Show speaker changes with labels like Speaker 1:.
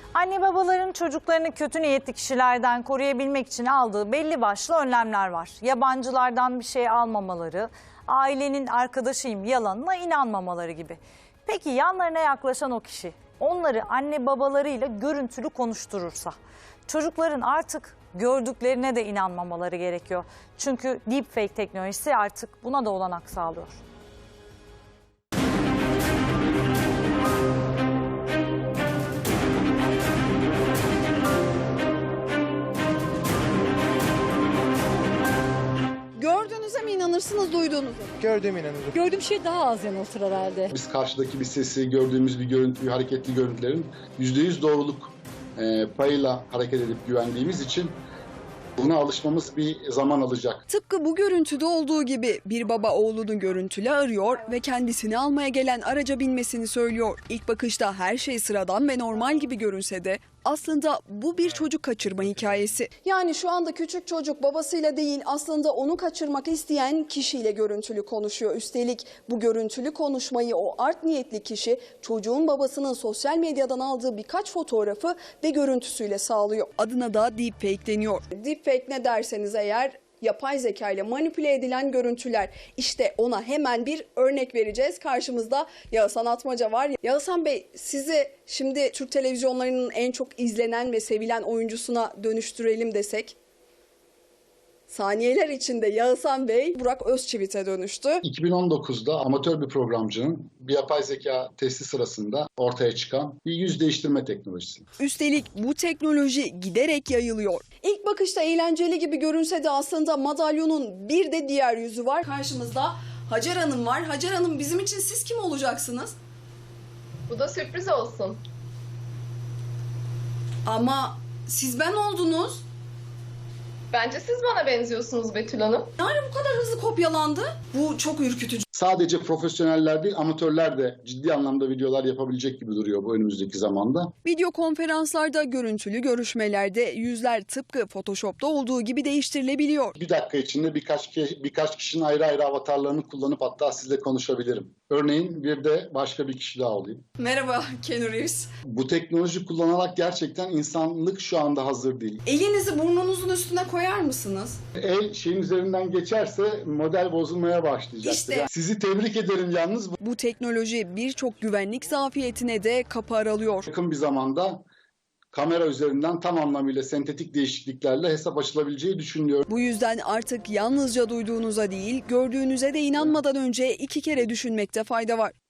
Speaker 1: Anne babaların çocuklarını kötü niyetli kişilerden koruyabilmek için aldığı belli başlı önlemler var. Yabancılardan bir şey almamaları, ailenin arkadaşıyım yalanına inanmamaları gibi. Peki yanlarına yaklaşan o kişi onları anne babalarıyla görüntülü konuşturursa çocukların artık gördüklerine de inanmamaları gerekiyor. Çünkü deepfake teknolojisi artık buna da olanak sağlıyor.
Speaker 2: Gördüğünüze mi inanırsınız, duyduğunuza mı?
Speaker 3: Gördüğüme inanırım.
Speaker 4: Gördüğüm şey daha az yanıltır herhalde.
Speaker 5: Biz karşıdaki bir sesi, gördüğümüz bir görüntüyü, hareketli görüntülerin %100 doğruluk payıyla hareket edip güvendiğimiz için buna alışmamız bir zaman alacak.
Speaker 2: Tıpkı bu görüntüde olduğu gibi bir baba oğlunu görüntülü arıyor ve kendisini almaya gelen araca binmesini söylüyor. İlk bakışta her şey sıradan ve normal gibi görünse de aslında bu bir çocuk kaçırma hikayesi. Yani şu anda küçük çocuk babasıyla değil, aslında onu kaçırmak isteyen kişiyle görüntülü konuşuyor. Üstelik bu görüntülü konuşmayı o art niyetli kişi çocuğun babasının sosyal medyadan aldığı birkaç fotoğrafı ve görüntüsüyle sağlıyor. Adına da deepfake deniyor. Deepfake ne derseniz eğer, yapay zeka ile manipüle edilen görüntüler. İşte ona hemen bir örnek vereceğiz. Karşımızda Yağızhan Atmaca var. Yağızhan Bey, sizi şimdi Türk televizyonlarının en çok izlenen ve sevilen oyuncusuna dönüştürelim desek. Saniyeler içinde Yağızhan Bey Burak Özçivit'e dönüştü.
Speaker 5: 2019'da amatör bir programcının bir yapay zeka testi sırasında ortaya çıkan bir yüz değiştirme teknolojisi.
Speaker 2: Üstelik bu teknoloji giderek yayılıyor. İlk bakışta eğlenceli gibi görünse de aslında madalyonun bir de diğer yüzü var. Karşımızda Hacer Hanım var. Hacer Hanım, bizim için siz kim olacaksınız?
Speaker 6: Bu da sürpriz olsun.
Speaker 2: Ama siz ben oldunuz.
Speaker 6: Bence siz bana benziyorsunuz Betül Hanım.
Speaker 2: Yani bu kadar hızlı kopyalandı. Bu çok ürkütücü.
Speaker 5: Sadece profesyoneller değil, amatörler de ciddi anlamda videolar yapabilecek gibi duruyor bu önümüzdeki zamanda.
Speaker 2: Video konferanslarda, görüntülü görüşmelerde yüzler tıpkı Photoshop'ta olduğu gibi değiştirilebiliyor.
Speaker 5: Bir dakika içinde birkaç kişinin ayrı ayrı avatarlarını kullanıp hatta sizle konuşabilirim. Örneğin bir de başka bir kişi daha olayım.
Speaker 2: Merhaba Keanu Reeves.
Speaker 5: Bu teknoloji kullanarak gerçekten insanlık şu anda hazır değil.
Speaker 2: Elinizi burnunuzun üstüne koyar mısınız?
Speaker 5: El şeyin üzerinden geçerse model bozulmaya başlayacak.
Speaker 2: İşte.
Speaker 5: Yani sizi tebrik ederim yalnız.
Speaker 2: Bu teknoloji birçok güvenlik zafiyetine de kapı aralıyor.
Speaker 5: Yakın bir zamanda kamera üzerinden tam anlamıyla sentetik değişikliklerle hesap açılabileceği düşünülüyor.
Speaker 2: Bu yüzden artık yalnızca duyduğunuza değil, gördüğünüze de inanmadan önce 2 kere düşünmekte fayda var.